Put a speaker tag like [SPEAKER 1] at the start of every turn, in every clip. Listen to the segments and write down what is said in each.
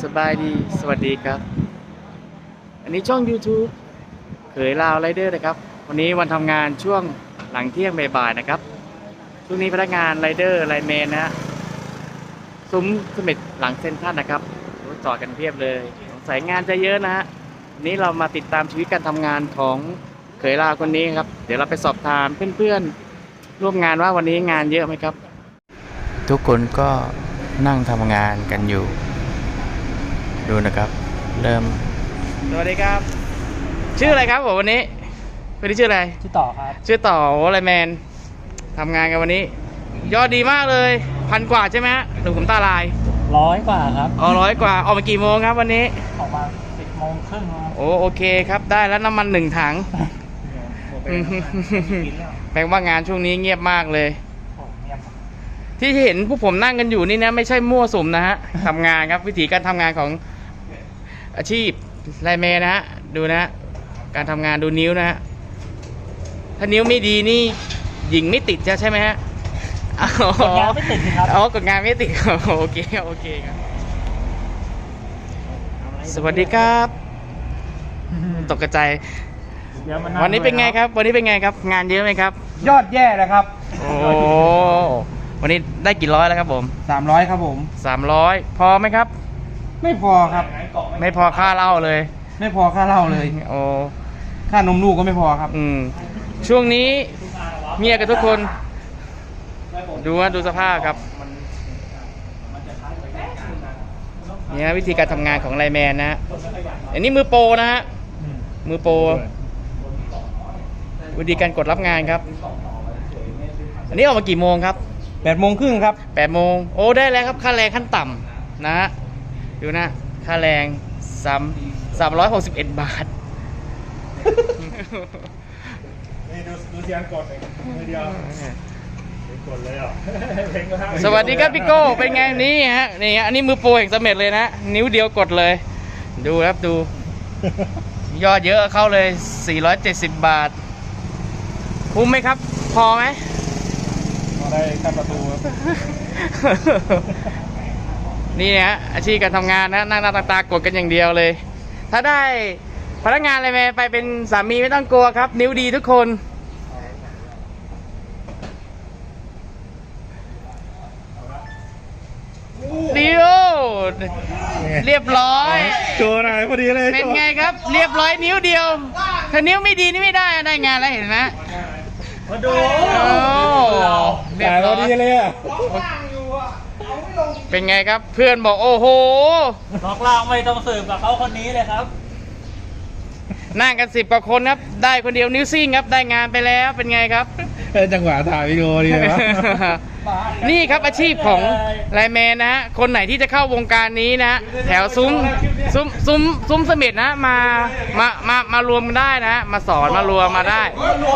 [SPEAKER 1] สบายดีสวัสดีครับอันนี้ช่อง YouTube เขยลาวไรเดอร์นะครับวันนี้วันทำงานช่วงหลังเที่ยงบ่ายๆนะครับช่วงนี้พนักงานไรเดอร์ไลน์แมนนะฮะซุ้มเสม็ดหลังเซ็นทรัลนะครับรถจอดกันเพียบเลยสายงานจะเยอะนะฮะวันนี้เรามาติดตามชีวิตการทำงานของเขยลาวคนนี้ครับเดี๋ยวเราไปสอบถามเพื่อนๆร่วมงานว่าวันนี้งานเยอะไหมครับทุกคนก็นั่งทำงานกันอยู่ดูนะครับเริ่มสวัสดีครับชื่ออะไรครับผมวันนี้ชื่ออะไร
[SPEAKER 2] ชื่อต่อครับ
[SPEAKER 1] ชื่อต่อไลน์แมนทำงานกันวันนี้ยอดดีมากเลย1,000 กว่าใช่ไหมฮะหรือผมตาลาย
[SPEAKER 2] 100 กว่าครับ
[SPEAKER 1] 100 กว่าออกมากี่โมงครับวันนี้
[SPEAKER 2] ออกมา10 โมงครึ่งครับ
[SPEAKER 1] โอเคครับได้แล้วน้ำมัน1 ถังแปลว่างานช่วงนี้เงียบมากเลยที่เห็นพวกผมนั่งกันอยู่นี่นะไม่ใช่มั่วสุมนะฮะทำงานครับวิธีการทำงานของอาชีพไลน์แมนนะฮะดูนะการทำงานดูนิ้วนะฮะถ้านิ้วไม่ดีนี่หญิงไม่ติดใช่ไหมฮะ
[SPEAKER 2] กดงานไม่ติดครับ
[SPEAKER 1] กดงานไม่ติดโอเคครับสวัสดีครับตกกระจายวันนี้เป็นไงครับงานเยอะไหมครับ
[SPEAKER 2] ยอดแย่เลยครับ
[SPEAKER 1] วันนี้ได้กี่ร้อยแล้วครับผม
[SPEAKER 2] 300ครับผม
[SPEAKER 1] 300พอไหมครับ
[SPEAKER 2] ไม่พอครับ
[SPEAKER 1] ไม่พอค่าเหล้าเลย
[SPEAKER 2] ไม่พอค่าเหล้าเลยค่านมลูกก็ไม่พอครับ
[SPEAKER 1] ช่วงนี้เมียกับทุกคนดูสภาพครับเนี่ยวิธีการทำงานของไลน์แมนนะฮะอันนี้มือโปรนะฮะมือโปรวิธีการกดรับงานครับอันนี้ออกมากี่โมงครับ
[SPEAKER 2] 8 โมงครึ่งครับ
[SPEAKER 1] 8 โมงได้แล้วครับค่าแรงขั้นต่ำนะฮะดูนะค่าแรง361 บาท
[SPEAKER 2] นี่ดูเสียงกดเลยเดียวกดเลยอ่ะ
[SPEAKER 1] สวัสดีครับพี่โก้เป็นไงนี่ฮะอันนี้มือโปรแห่งเสม็ดเลยนะนิ้วเดียวกดเลยดูครับดูยอดเยอะเข้าเลย470 บาทคุ้มไหมครับพอไหม
[SPEAKER 2] พอได้ขั้นประตูครับ
[SPEAKER 1] นี่ฮะอาชีพการทำงานนะนั่งตากดกันอย่างเดียวเลยถ้าได้พนักงานอะไรไปเป็นสามีไม่ต้องกลัวครับนิ้วดีทุกคนเรียบร้อย
[SPEAKER 2] โชว์หน่อยพอดีเลย
[SPEAKER 1] เป็นไงครับเรียบร้อยนิ้วเดียวถ้านิ้วไม่ดีนี่ไม่ได้ได้งานแล้วเห็นไหม
[SPEAKER 2] มาดู
[SPEAKER 1] เรียบร้อย
[SPEAKER 2] พอดีเลยอ่ะ
[SPEAKER 1] เป็นไงครับเพื่อนบอกโอ้โห
[SPEAKER 2] ล็อกล่างไม่ต้องสืบกับเขาคนนี้เลยครับ
[SPEAKER 1] นั่งกัน10 กว่าคนครับได้คนเดียวนิ้วซิ่งครับได้งานไปแล้วเป็นไงครับ
[SPEAKER 2] จังหวะถ่ายวิดีโอดีนะ
[SPEAKER 1] นี่ครับอาชีพของไลน์แมนนะฮะคนไหนที่จะเข้าวงการนี้นะแถวซุ้มเสม็ดนะมารวมกันได้นะมาสอนมารวมมาได้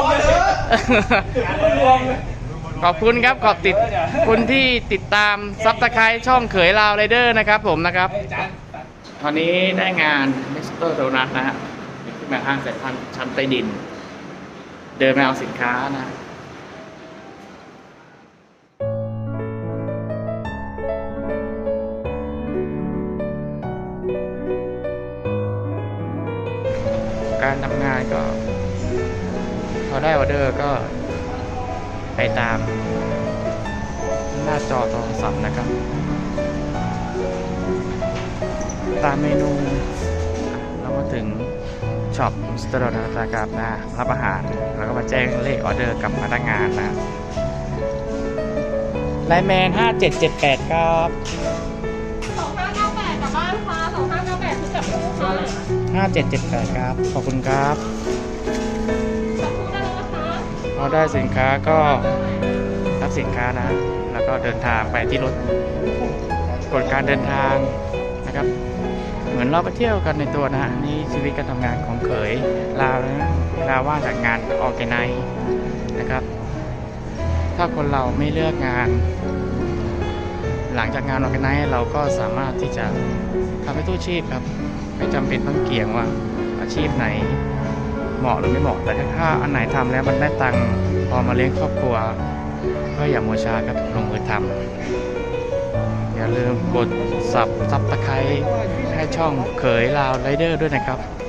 [SPEAKER 1] ขอบคุณครับขอบคุณที่ติดตามซับสไครต์ช่องเขยลาวไรเดอร์นะครับผมนะครับตอนนี้ได้งานมิสเตอร์โดนัทนะฮะขึ้นมาห้างสายพันธุ์ชั้นใต้ดินเดินมาเอาสินค้านะการทำงานก็พอได้ออเดอร์ก็ไปตามหน้าจอโทรศัพท์นะครับตามเมนูเรามาถึงช็อปมิสเตอร์โดนัทนะครับนะรับอาหารแล้วก็มาแจ้งเลขออเดอร์กับพนักงานนะไลน์แมน5778ครับ
[SPEAKER 3] 2598กลับบ้านค่ะ2598คือกลับลูกค่ะ
[SPEAKER 1] 5778ครับขอบคุณครับ พอได้สินค้าก็รับสินค้านะแล้วก็เดินทางไปที่รถกฎการเดินทางนะครับเหมือนเราไปเที่ยวกันในตัวนะฮะนี่ชีวิตการทำงานของเขยลาวนะเวลาว่างจากงานออร์แกไนซ์นะครับถ้าคนเราไม่เลือกงานหลังจากงานออร์แกไนซ์เราก็สามารถที่จะทำให้ตู้ชีพครับไม่จำเป็นต้องเกี่ยงว่าอาชีพไหนเหมาะหรือไม่เหมาะแต่ถ้าอันไหนทำแล้วมันได้ตังค์พอมาเลี้ยงครอบครัวก็อย่ามัวช้าครับลงมือทำอย่าลืมกดซับตะไคร้ให้ช่องเขยลาวไรเดอร์ด้วยนะครับ